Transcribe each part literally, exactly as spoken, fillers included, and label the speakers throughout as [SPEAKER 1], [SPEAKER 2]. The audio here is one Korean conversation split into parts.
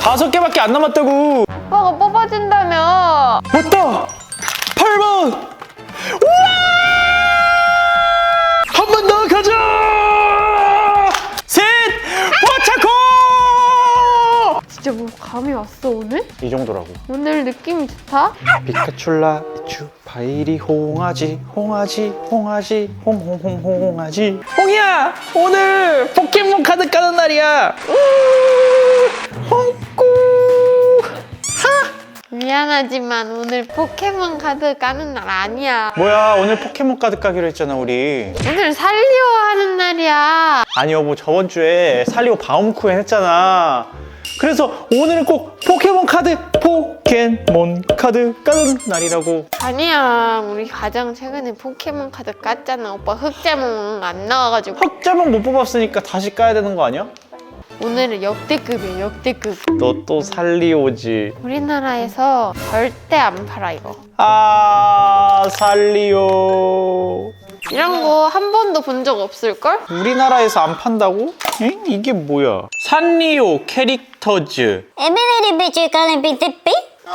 [SPEAKER 1] 다섯 개밖에 안 남았다고.
[SPEAKER 2] 오빠가 뽑아준다며.
[SPEAKER 1] 맞다. 팔 번. 우와! 한 번 더 가자. 셋. 포차코.
[SPEAKER 2] 진짜 뭐 감이 왔어 오늘?
[SPEAKER 1] 이 정도라고.
[SPEAKER 2] 오늘 느낌이 좋다?
[SPEAKER 1] 피카츄라 이츄 바이리 홍아지 홍아지 홍아지 홍홍홍 홍아지. 홍이야, 오늘 포켓몬 카드 까는 날이야. 홍꾸.
[SPEAKER 2] 미안하지만 오늘 포켓몬 카드 까는 날 아니야.
[SPEAKER 1] 뭐야, 오늘 포켓몬 카드 까기로 했잖아 우리.
[SPEAKER 2] 오늘 살리오 하는 날이야.
[SPEAKER 1] 아니 여보, 저번 주에 살리오 바움쿠엔 했잖아. 그래서 오늘은 꼭 포켓몬 카드 포켓몬 카드 까는 날이라고.
[SPEAKER 2] 아니야, 우리 가장 최근에 포켓몬 카드 깠잖아. 오빠 흑제몽 안 나와가지고.
[SPEAKER 1] 흑자몽 못 뽑았으니까 다시 까야 되는 거 아니야?
[SPEAKER 2] 오늘은 역대급이야, 역대급.
[SPEAKER 1] 너 또 살리오지.
[SPEAKER 2] 우리나라에서 절대 안 팔아 이거.
[SPEAKER 1] 아, 살리오.
[SPEAKER 2] 이런 거 한 번도 본 적 없을걸?
[SPEAKER 1] 우리나라에서 안 판다고? 엥? 이게 뭐야? 산리오 캐릭터즈.
[SPEAKER 3] 에메메리 비주가는 비트비?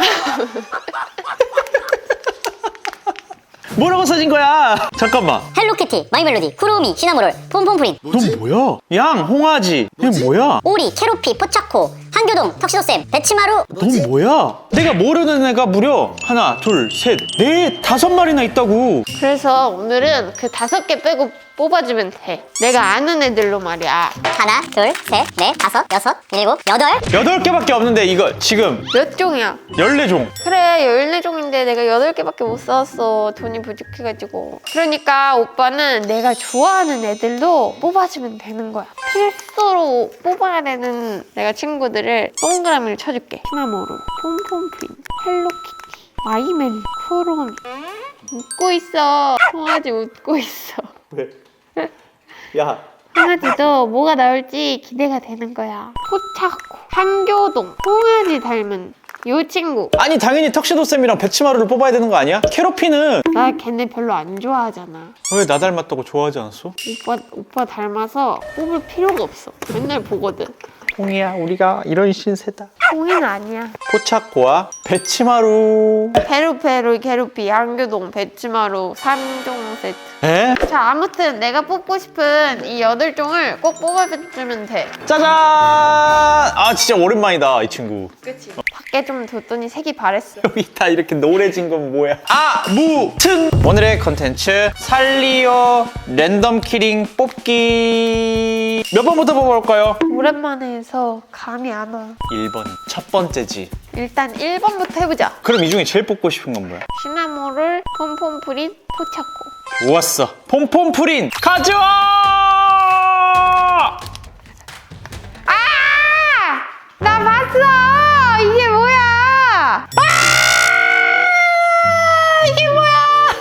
[SPEAKER 1] 뭐라고 써진 거야? 잠깐만.
[SPEAKER 3] 헬로키티, 마이멜로디, 쿠로미, 시나모롤, 폼폼프린,
[SPEAKER 1] 넌 뭐야? 양, 홍아지. 이게 뭐야?
[SPEAKER 3] 오리, 캐로피, 포차코, 한교동, 턱시도쌤, 배치마루.
[SPEAKER 1] 넌 뭐야? 내가 모르는 애가 무려 하나, 둘, 셋, 넷, 다섯 마리나 있다고.
[SPEAKER 2] 그래서 오늘은 그 다섯 개 빼고 뽑아주면 돼. 내가 아는 애들로 말이야.
[SPEAKER 3] 하나, 둘, 셋, 넷, 다섯, 여섯, 일곱, 여덟.
[SPEAKER 1] 여덟 개밖에 없는데 이거 지금
[SPEAKER 2] 몇 종이야?
[SPEAKER 1] 열네 종.
[SPEAKER 2] 그래, 열네 종인데 내가 여덟 개밖에 못 사왔어. 돈이 부족해가지고. 그러니까 오빠는 내가 좋아하는 애들도 뽑아주면 되는 거야. 필수로 뽑아야 되는 내가 친구들을 동그라미를 쳐줄게. 시나모롤, 폼폼프린, 헬로키티, 마이멜, 쿠로미. 웃고 있어. 송아지 웃고 있어.
[SPEAKER 1] 왜? 야,
[SPEAKER 2] 송아지도 뭐가 나올지 기대가 되는 거야. 포차코, 한교동, 송아지 닮은 요 친구.
[SPEAKER 1] 아니 당연히 턱시도쌤이랑 배치마루를 뽑아야 되는 거 아니야? 캐로피는
[SPEAKER 2] 나 걔네 별로 안 좋아하잖아.
[SPEAKER 1] 왜 나 닮았다고 좋아하지 않았어?
[SPEAKER 2] 오빠 오빠 닮아서 뽑을 필요가 없어. 맨날 보거든.
[SPEAKER 1] 홍이야, 우리가 이런 신세다.
[SPEAKER 2] 홍이는 아니야.
[SPEAKER 1] 포차코와 배치마루.
[SPEAKER 2] 베루베루, 게루피, 한교동, 배치마루 삼 종 세트.
[SPEAKER 1] 에?
[SPEAKER 2] 자, 아무튼 내가 뽑고 싶은 이 여덟 종을 꼭 뽑아주면 돼.
[SPEAKER 1] 짜잔! 아 진짜 오랜만이다 이 친구.
[SPEAKER 2] 그치? 밖에 좀 뒀더니 색이 바랬어.
[SPEAKER 1] 여기 다 이렇게 노래진 건 뭐야? 아무튼 오늘의 컨텐츠 살리오 랜덤 키링 뽑기. 몇 번부터 뽑아볼까요?
[SPEAKER 2] 오랜만에 해서 감이 안 와.
[SPEAKER 1] 일 번 첫 번째지.
[SPEAKER 2] 일단 일 번부터 해보자.
[SPEAKER 1] 그럼 이 중에 제일 뽑고 싶은 건 뭐야?
[SPEAKER 2] 시나모롤, 폼폼프린, 포차코.
[SPEAKER 1] 좋았어. 폼폼프린 가져와!
[SPEAKER 2] 아! 나 봤어! 이게 뭐야! 아! 이게 뭐야!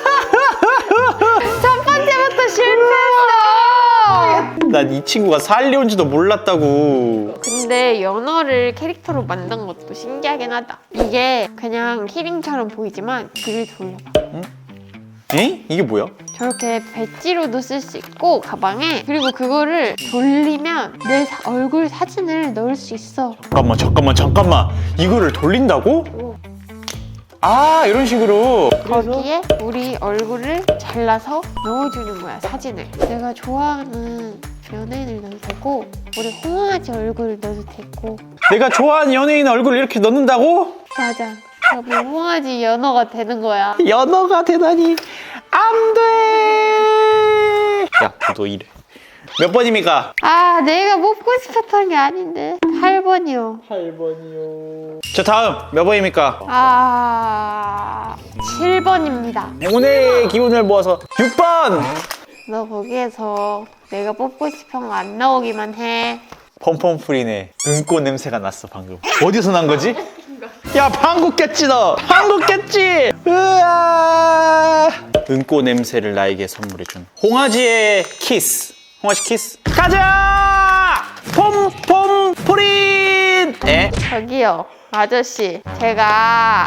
[SPEAKER 2] 첫 번째부터 실패했어!
[SPEAKER 1] 난 이 친구가 살리온지도 몰랐다고.
[SPEAKER 2] 근데 연어를 캐릭터로 만든 것도 신기하긴 하다. 이게 그냥 키링처럼 보이지만 뒤를 돌려봐.
[SPEAKER 1] 에? 이게 뭐야?
[SPEAKER 2] 저렇게 배지로도 쓸 수 있고 가방에, 그리고 그거를 돌리면 내 사- 얼굴 사진을 넣을 수 있어.
[SPEAKER 1] 잠깐만 잠깐만 잠깐만 이거를 돌린다고?
[SPEAKER 2] 오.
[SPEAKER 1] 아 이런 식으로.
[SPEAKER 2] 거기에 우리 얼굴을 잘라서 넣어주는 거야, 사진을. 내가 좋아하는 연예인을 넣어도 되고 우리 홍아지 얼굴을 넣어도 되고.
[SPEAKER 1] 내가 좋아하는 연예인 얼굴을 이렇게 넣는다고?
[SPEAKER 2] 맞아. 그러면 홍아지 연어가 되는 거야.
[SPEAKER 1] 연어가 되다니 안 돼. 야, 너 이래. 몇 번입니까?
[SPEAKER 2] 아, 내가 뽑고 싶었던 게 아닌데. 팔 번이요.
[SPEAKER 1] 팔 번이요. 자, 다음 몇 번입니까?
[SPEAKER 2] 아... 칠 번입니다.
[SPEAKER 1] 오늘의 기운을 모아서 육 번.
[SPEAKER 2] 너 거기에서 내가 뽑고 싶은 거 안 나오기만 해.
[SPEAKER 1] 펌펌프린의 은꼬 냄새가 났어 방금. 어디서 난 거지? 야, 방구 꼈지 너. 방구 꼈지. 으아. 은꼬 냄새를 나에게 선물해준 홍아지의 키스. 홍아지 키스. 가자. 펌펌프린. 에?
[SPEAKER 2] 저기요, 아저씨. 제가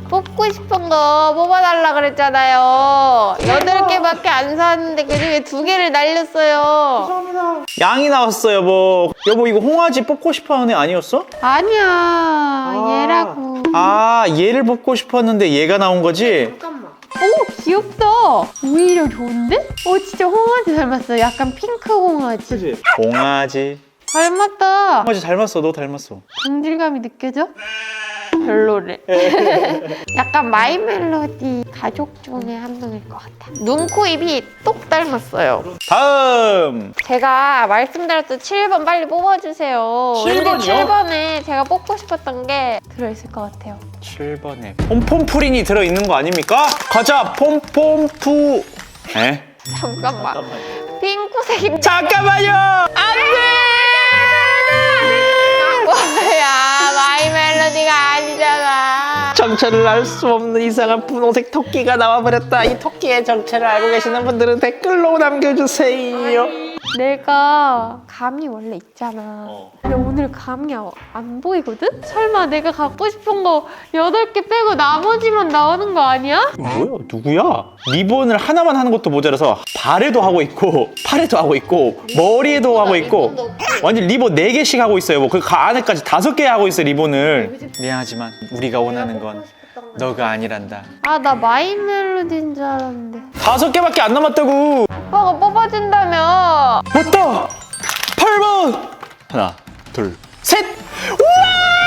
[SPEAKER 2] 뽑고 싶은 거 뽑아달라 그랬잖아요. 여덟 개밖에 안 사왔는데 그중에 두 개를 날렸어요.
[SPEAKER 1] 양이 나왔어 여보. 여보 이거 홍아지 뽑고 싶어하는 애 아니었어?
[SPEAKER 2] 아니야, 얘라고.
[SPEAKER 1] 아 얘를 뽑고 싶었는데 얘가 나온 거지?
[SPEAKER 2] 오, 귀엽다. 오히려 좋은데? 오, 진짜 홍아지 닮았어. 약간 핑크 홍아지.
[SPEAKER 1] 그치? 홍아지.
[SPEAKER 2] 닮았다.
[SPEAKER 1] 홍아지 닮았어. 너 닮았어.
[SPEAKER 2] 동질감이 느껴져? 별로래. 약간 마이 멜로디 가족 중에 한 명일 것 같아. 눈, 코, 입이 똑 닮았어요.
[SPEAKER 1] 다음.
[SPEAKER 2] 제가 말씀드렸던 칠 번 빨리 뽑아주세요.
[SPEAKER 1] 칠 번이요?
[SPEAKER 2] 칠 번에 제가 뽑고 싶었던 게 들어있을 것 같아요.
[SPEAKER 1] 칠 번에 폼폼프린이 들어있는 거 아닙니까? 가자 폼폼푸. 에?
[SPEAKER 2] 잠깐만. 핑크색이
[SPEAKER 1] 잠깐만요. 안돼.
[SPEAKER 2] 뭐야, 마이 멜로디가 아니잖아.
[SPEAKER 1] 정체를 알 수 없는 이상한 분홍색 토끼가 나와버렸다. 이 토끼의 정체를 알고 계시는 분들은 댓글로 남겨주세요.
[SPEAKER 2] 내가 감이 원래 있잖아.
[SPEAKER 1] 어.
[SPEAKER 2] 근데 오늘 감이 아- 안 보이거든? 설마 내가 갖고 싶은 거 여덟 개 빼고 나머지만 나오는 거 아니야?
[SPEAKER 1] 뭐야? 누구야? 리본을 하나만 하는 것도 모자라서 발에도 하고 있고 팔에도 하고 있고 머리에도 하고 있고 완전 리본 네 개씩 하고 있어요. 뭐 그 안에까지 다섯 개 하고 있어 리본을. 미안하지만 우리가 원하는 건 너가 아니란다.
[SPEAKER 2] 아, 나 마이 멜로디인 줄 알았는데.
[SPEAKER 1] 다섯 개밖에 안 남았다고.
[SPEAKER 2] 오빠가 뽑아준다며.
[SPEAKER 1] 맞다. 팔 번. 하나, 둘, 셋. 우와!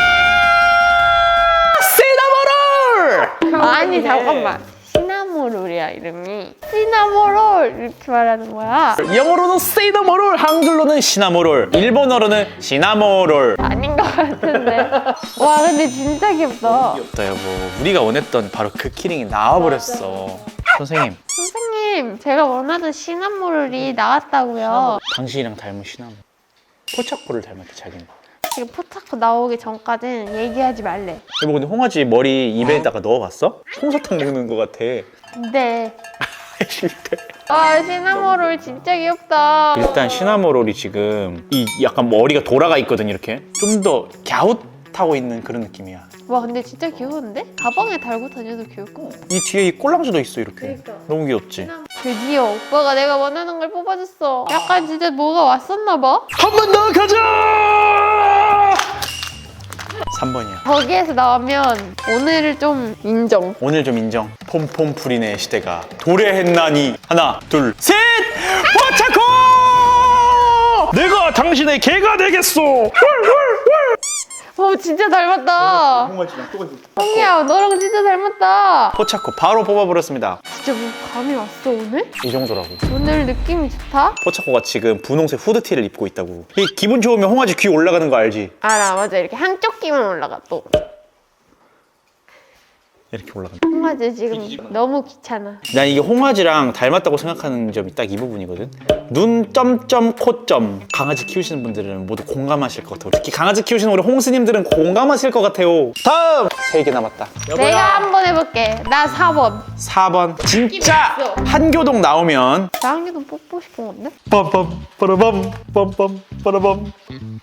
[SPEAKER 1] 시나모롤.
[SPEAKER 2] 아니, 잠깐만. 시나모롤이야, 이름이. 시나모롤 이렇게 말하는 거야.
[SPEAKER 1] 영어로는 시나모롤, 한글로는 시나모롤, 일본어로는 시나모롤.
[SPEAKER 2] 아닌 것 같은데. 와, 근데 진짜 귀엽다.
[SPEAKER 1] 귀엽다 여보. 우리가 원했던 바로 그 키링이 나와버렸어. 선생님,
[SPEAKER 2] 선생님, 제가 원하던 시나모롤이 나왔다고요.
[SPEAKER 1] 당신이랑 닮은 시나모롤. 포착코를 닮았대 자기는.
[SPEAKER 2] 지금 포착코 나오기 전까지는 얘기하지 말래.
[SPEAKER 1] 여보 근데 홍아지 머리 입에다가 넣어봤어? 솜사탕 넣는 것 같아.
[SPEAKER 2] 네.
[SPEAKER 1] 싫대.
[SPEAKER 2] 아, 시나모롤 진짜 귀엽다.
[SPEAKER 1] 일단 시나모롤이 지금 이 약간 머리가 돌아가 있거든 이렇게. 좀 더 갸웃하고 있는 그런 느낌이야.
[SPEAKER 2] 와, 근데 진짜 귀여운데? 가방에 달고 다녀도 귀여울 것 같아.
[SPEAKER 1] 이 뒤에 이 꼴랑지도 있어 이렇게.
[SPEAKER 2] 그러니까.
[SPEAKER 1] 너무 귀엽지?
[SPEAKER 2] 드디어 오빠가 내가 원하는 걸 뽑아줬어. 약간 진짜 뭐가 왔었나 봐?
[SPEAKER 1] 한 번 더 가자! 삼 번이야.
[SPEAKER 2] 거기에서 나오면 오늘을 좀 인정.
[SPEAKER 1] 오늘 좀 인정. 폼폼프린의 시대가 도래했나니. 하나, 둘, 셋! 포차코! 내가 당신의 개가 되겠소!
[SPEAKER 2] 어, 진짜 닮았다.
[SPEAKER 1] 홍아지랑 똑같이.
[SPEAKER 2] 홍이야, 너랑 진짜 닮았다.
[SPEAKER 1] 포차코 바로 뽑아버렸습니다.
[SPEAKER 2] 진짜 뭐 감이 왔어, 오늘?
[SPEAKER 1] 이 정도라고.
[SPEAKER 2] 오늘 느낌이 좋다?
[SPEAKER 1] 포차코가 지금 분홍색 후드티를 입고 있다고. 이 기분 좋으면 홍아지 귀 올라가는 거 알지?
[SPEAKER 2] 알아, 맞아. 이렇게 한쪽 귀만 올라가, 또.
[SPEAKER 1] 이렇게 올라간다.
[SPEAKER 2] 홍아지 지금 너무 귀찮아.
[SPEAKER 1] 난 이게 홍아지랑 닮았다고 생각하는 점이 딱 이 부분이거든. 눈 점점 코점. 강아지 키우시는 분들은 모두 공감하실 것 같아요. 특히 강아지 키우시는 우리 홍스님들은 공감하실 것 같아요. 다음 세 개 남았다.
[SPEAKER 2] 내가 한번 해볼게. 나 사 번.
[SPEAKER 1] 사 번. 진짜
[SPEAKER 2] 있어.
[SPEAKER 1] 한교동 나오면
[SPEAKER 2] 나 한 개도 뽑고 싶은 건데?
[SPEAKER 1] 빰빰 빠라밤 빰빰 빠라밤.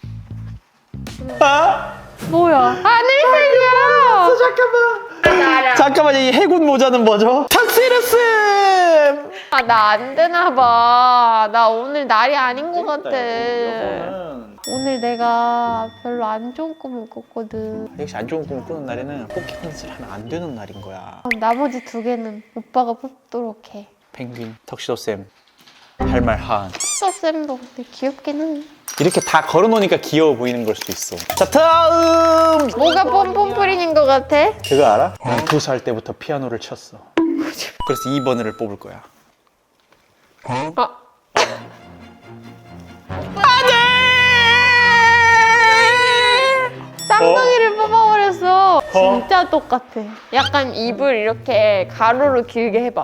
[SPEAKER 1] 아?
[SPEAKER 2] 뭐야? 하늘색이야!
[SPEAKER 1] 잠깐만.
[SPEAKER 2] 나 알아.
[SPEAKER 1] 잠깐만 이 해군 모자는 뭐죠? 탁시르쌤.
[SPEAKER 2] 아, 나 안 되나 봐. 나 오늘 날이 아닌 것 같아. 오늘 내가 별로 안 좋은 꿈을 꿨거든.
[SPEAKER 1] 역시 안 좋은 꿈을 꾸는 날에는 포켓몬스를 하면 안 되는 날인 거야.
[SPEAKER 2] 그럼 나머지 두 개는 오빠가 뽑도록 해.
[SPEAKER 1] 펭귄, 턱시도쌤 할 말 한.
[SPEAKER 2] 수업쌤도 근데 귀엽긴 해.
[SPEAKER 1] 이렇게 다 걸어놓으니까 귀여워 보이는 걸 수도 있어. 자 다음.
[SPEAKER 2] 뭐가 pompom프린인 것 같아?
[SPEAKER 1] 그거 알아? 난 두 살 때부터 피아노를 쳤어. 그래서 이 번을 뽑을 거야.
[SPEAKER 2] 아, 쌍둥이를 뽑아버렸어. 진짜 똑같아. 약간 입을 이렇게 가로로 길게 해봐.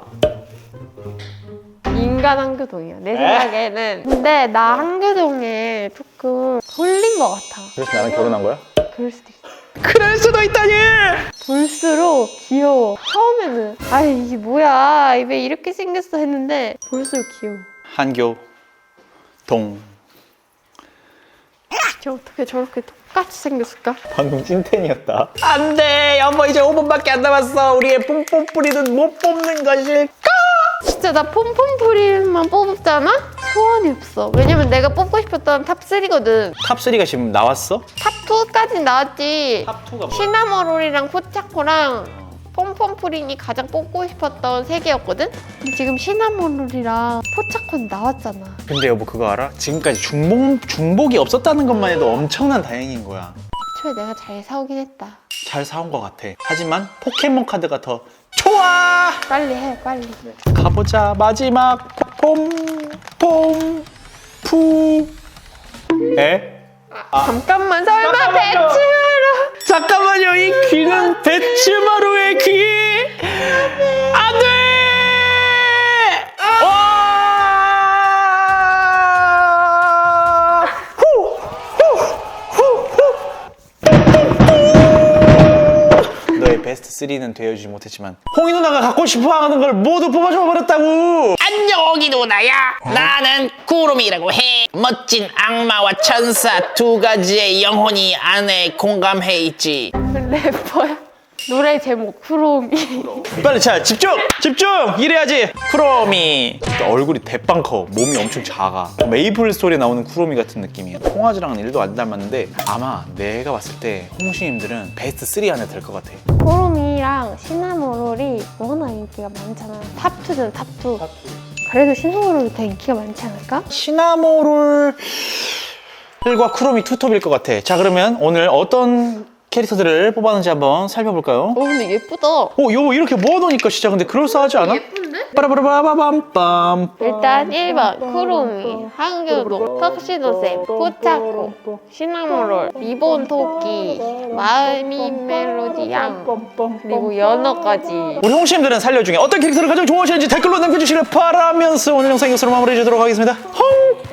[SPEAKER 2] 인간 한교동이야. 내 생각에는. 근데 나 한교동에 조금 돌린 것 같아.
[SPEAKER 1] 그래서 나랑 결혼한 거야?
[SPEAKER 2] 그럴 수도 있어.
[SPEAKER 1] 그럴 수도 있다니!
[SPEAKER 2] 볼수록 귀여워. 처음에는 아 이게 뭐야 왜 이렇게 생겼어 했는데 볼수록 귀여워.
[SPEAKER 1] 한교 동.
[SPEAKER 2] 진짜 어떻게 저렇게 똑같이 생겼을까?
[SPEAKER 1] 방금 찐텐이었다. 안돼 여보 이제 오 분밖에 안 남았어. 우리의 뿜뿜뿌리는 못 뽑는 것일까?
[SPEAKER 2] 진짜 나 폼폼프릴만 뽑았잖아? 소원이 없어. 왜냐면 내가 뽑고 싶었던 탑삼이거든.
[SPEAKER 1] 탑삼가 지금 나왔어?
[SPEAKER 2] 탑이까지 나왔지.
[SPEAKER 1] 탑이가
[SPEAKER 2] 시나모롤이랑 포차코랑 폼폼프린이 가장 뽑고 싶었던 세 개였거든? 근데 지금 시나모롤이랑 포차코는 나왔잖아.
[SPEAKER 1] 근데 여보 그거 알아? 지금까지 중복, 중복이 없었다는 것만 해도 엄청난 다행인 거야.
[SPEAKER 2] 애초에 내가 잘 사오긴 했다.
[SPEAKER 1] 잘 사온 것 같아. 하지만 포켓몬 카드가 더 좋아!
[SPEAKER 2] 빨리 해, 빨리.
[SPEAKER 1] 가보자. 마지막 폼, 폼, 푸. 에?
[SPEAKER 2] 잠깐만, 설마
[SPEAKER 1] 잠깐만요.
[SPEAKER 2] 배치마루.
[SPEAKER 1] 잠깐만요. 이 귀는 배츠마루의 귀! 안 돼! 와! 후! 후! 후! 후! 너의 베스트 삼는 되어주지 못했지만 홍이 누나가 갖고 싶어 하는 걸 모두 뽑아줘 버렸다고.
[SPEAKER 4] 안녕 오기 누나야. 나는 구름이라고 해. 멋진 악마와 천사 두 가지의 영혼이 안에 공감해 있지.
[SPEAKER 2] 래퍼야. 노래 제목, 쿠로미.
[SPEAKER 1] 빨리 자 집중! 집중! 이래야지. 쿠로미 얼굴이 대빵 커. 몸이 엄청 작아. 메이플 스토리에 나오는 쿠로미 같은 느낌이에요. 홍아지랑은 일도 안 닮았는데 아마 내가 봤을 때 홍시님들은 베스트 삼 안에 들 것 같아.
[SPEAKER 2] 쿠로미랑 시나모롤이 워낙 인기가 많잖아. 탑이든 탑이. 그래도 시나모롤이 더 인기가 많지 않을까?
[SPEAKER 1] 시나모롤 과 쿠로미 투톱일 것 같아. 자 그러면 오늘 어떤 캐릭터들을 뽑았는지 한번 살펴볼까요?
[SPEAKER 2] 어, 근데 예쁘다.
[SPEAKER 1] 오 여보 이렇게 모아놓으니까 진짜 근데 그럴싸하지 않아?
[SPEAKER 2] 예쁜데?
[SPEAKER 1] 빠라바라바밤빰.
[SPEAKER 2] 일단 일 번 쿠로미, 한교동, 턱시도쌤, 포차코, 시나모롤, 리본 토끼, 마음이 멜로디 양, 그리고 연어까지.
[SPEAKER 1] 우리 홍시님들은 살려 중에 어떤 캐릭터를 가장 좋아하시는지 댓글로 남겨주시길 바라면서 오늘 영상 이것으로 마무리해주도록 하겠습니다. 홍!